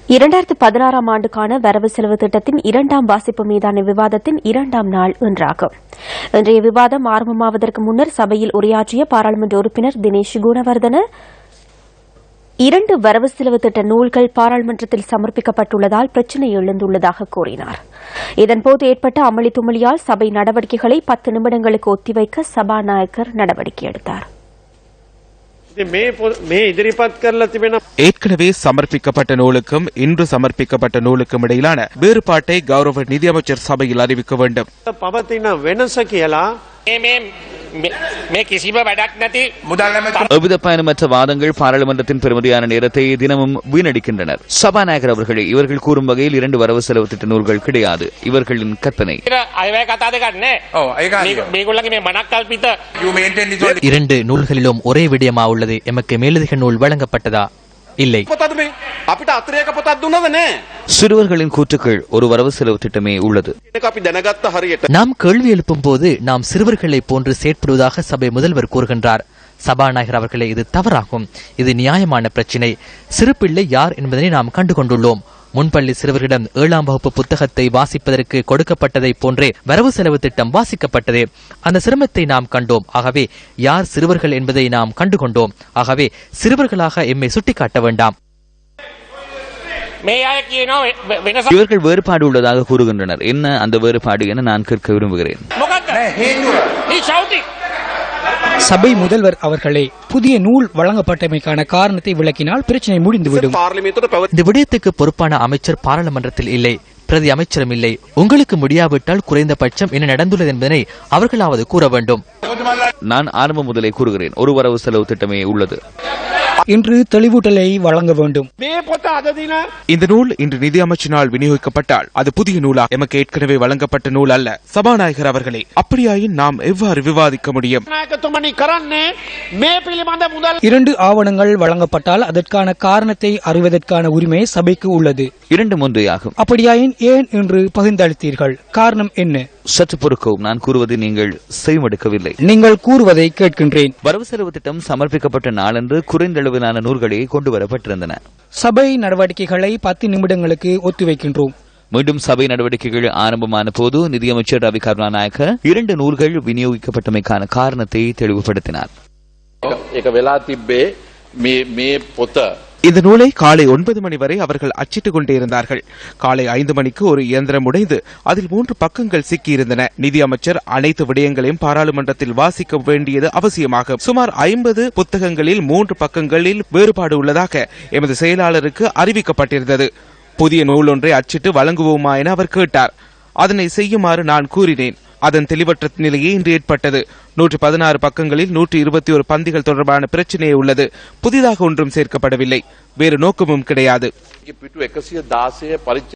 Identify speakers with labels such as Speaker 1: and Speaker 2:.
Speaker 1: 2016 ஆண்டுக்கான வரவு செலவு திட்டத்தின் 2ஆம் வாசிப்பு மீதான விவாதத்தின் 2ஆம் நாள் இன்றாகும். இன்றைய விவாதம் ஆரம்பமாவதற்கு முன்னர் சபையில் உரையாற்றிய பாராளுமன்ற உறுப்பினர் தினேஷ் குணவர்தன 2 வரவு செலவு திட்ட நூல்கள் பாராளுமன்றத்தில் சமர்ப்பிக்கப்பட்டுள்ளதால் பிரச்சினை எழுந்துள்ளதாக கூறினார். இதன்போது ஏற்பட்ட அமளி துமளியால் சபை நடவடிக்கைகளை 10 நிமிடங்களுக்கு ஒத்திவைக்க சபாநாயகர் நடவடிக்கை எடுத்தார்.
Speaker 2: ஏற்கனவே சமர்ப்பிக்கப்பட்ட நூலுக்கும் இன்று சமர்ப்பிக்கப்பட்ட நூலுக்கும் இடையிலான வேறுபாட்டை கௌரவ நிதியமைச்சர் சபையில் அறிவிக்க வேண்டும்.
Speaker 3: எவ்வித பயணமற்ற வாதங்கள் பாராளுமன்றத்தின் பெருமதியான நேரத்தை தினமும் வீணடிக்கின்றனர். சபாநாயகர் அவர்களே, இவர்கள் கூறும் வகையில் 2 வரவு செலவு திட்ட நூல்கள் கிடையாது. இவர்களின் கற்பனை.
Speaker 4: 2 நூல்களிலும் ஒரே விடயமா உள்ளது. எமக்கு மேலதிக நூல் வழங்கப்பட்டதா? இல்லை.
Speaker 3: சிறுவர்களின் கூற்றுக்கள் ஒரு வரவு செலவு திட்டமே உள்ளது.
Speaker 4: நாம் கேள்வி எழுப்பும் போது நாம் சிறுவர்களை போன்று செயற்படுவதாக சபை முதல்வர் கூறுகின்றார். சபாநாயகர் அவர்களே, இது தவறாகும். இது நியாயமான பிரச்சினை. சிறுபிள்ளை யார் என்பதனை நாம் கண்டுகொண்டுள்ளோம். முன்பள்ளி சிறுவர்களிடம் 7ஆம் வகுப்பு புத்தகத்தை வாசிப்பதற்கு கொடுக்கப்பட்டதை போன்றே வரவு செலவு திட்டம் வாசிக்கப்பட்டது. அந்த சிரமத்தை நாம் கண்டோம். ஆகவே யார் சிறுவர்கள் என்பதை நாம் கண்டுகொண்டோம். ஆகவே சிறுவர்களாக எம்மை சுட்டிக்காட்ட வேண்டாம்.
Speaker 3: இவர்கள் வேறுபாடு உள்ளதாக கூறுகின்றனர். என்ன அந்த வேறுபாடு என நான் கேட்க விரும்புகிறேன்.
Speaker 5: சபை முதல்வர் அவர்களே, புதிய நூல் வழங்கப்பட்டமைக்கான காரணத்தை விளக்கினால் பிரச்சனை முடிந்துவிடும்.
Speaker 4: இந்த விடயத்துக்கு பொறுப்பான அமைச்சர் பாராளுமன்றத்தில் இல்லை, பிரதி அமைச்சரும் இல்லை. உங்களுக்கு முடியாவிட்டால் குறைந்தபட்சம் என்ன நடந்துள்ளது என்பதனை அவர்களாவது கூற வேண்டும்.
Speaker 3: நான் ஆரம்பம் முதலே கூறுகிறேன், ஒரு வரவு செலவு திட்டமே உள்ளது.
Speaker 5: இன்று தெளிவூட்டலை வழங்க வேண்டும்.
Speaker 2: இந்த நூல் இன்று நிதி அமைச்சினால் விநியோகிக்கப்பட்டால் அது புதிய நூலா? எமக்கு ஏற்கனவே வழங்கப்பட்ட நூல் அல்ல. சபாநாயகர் அவர்களே, அப்படியாயின் நாம் எவ்வாறு விவாதிக்க முடியும்?
Speaker 5: 2 ஆவணங்கள் வழங்கப்பட்டால் அதற்கான காரணத்தை அறிவதற்கான உரிமை சபைக்கு உள்ளது.
Speaker 3: 2 முன்றையாகும்.
Speaker 5: அப்படியாயின் ஏன் இன்று பகிர்ந்தளித்தீர்கள்? காரணம் என்ன?
Speaker 3: சற்று பொறுக்கவும். நான் கூறுவதை நீங்கள் செய்வெடுக்கவில்லை.
Speaker 5: நீங்கள் கூறுவதை கேட்கின்றேன்.
Speaker 3: வரவு செலவு திட்டம் சமர்ப்பிக்கப்பட்ட நாளன்று குறைந்த அளவிலான நூல்களே கொண்டு வரப்பட்டிருந்தன.
Speaker 5: சபை நடவடிக்கைகளை 10 நிமிடங்களுக்கு ஒத்திவைக்கின்றோம்.
Speaker 3: மீண்டும் சபை நடவடிக்கைகள் ஆரம்பமான போது நிதியமைச்சர் ரவி கருணாநாயக்க 2 நூல்கள் விநியோகிக்கப்பட்டமைக்கான காரணத்தை தெளிவுபடுத்தினார்.
Speaker 2: இந்த நூலை காலை 9 மணி வரை அவர்கள் அச்சிட்டுக் கொண்டே இருந்தார்கள். காலை 5 மணிக்கு ஒரு இயந்திரம் உடைந்து அதில் 3 பக்கங்கள் சிக்கியிருந்தன. நிதியமைச்சர் அனைத்து விடயங்களையும் பாராளுமன்றத்தில் வாசிக்க வேண்டியது அவசியமாகும். சுமார் 50 புத்தகங்களில் 3 பக்கங்களில் வேறுபாடு உள்ளதாக எமது செயலாளருக்கு அறிவிக்கப்பட்டிருந்தது. புதிய நூல் ஒன்றை அச்சிட்டு வழங்குவோமா என அவர் கேட்டார். அதனை செய்யுமாறு நான் கூறினேன். அதன் தெளிவற்ற நிலையே இன்று ஏற்பட்டது. 116 பக்கங்களில் 121 பந்திகள் தொடர்பான பிரச்சனையே உள்ளது. புதிதாக ஒன்றும் சேர்க்கப்படவில்லை. வேறு நோக்கமும் கிடையாது.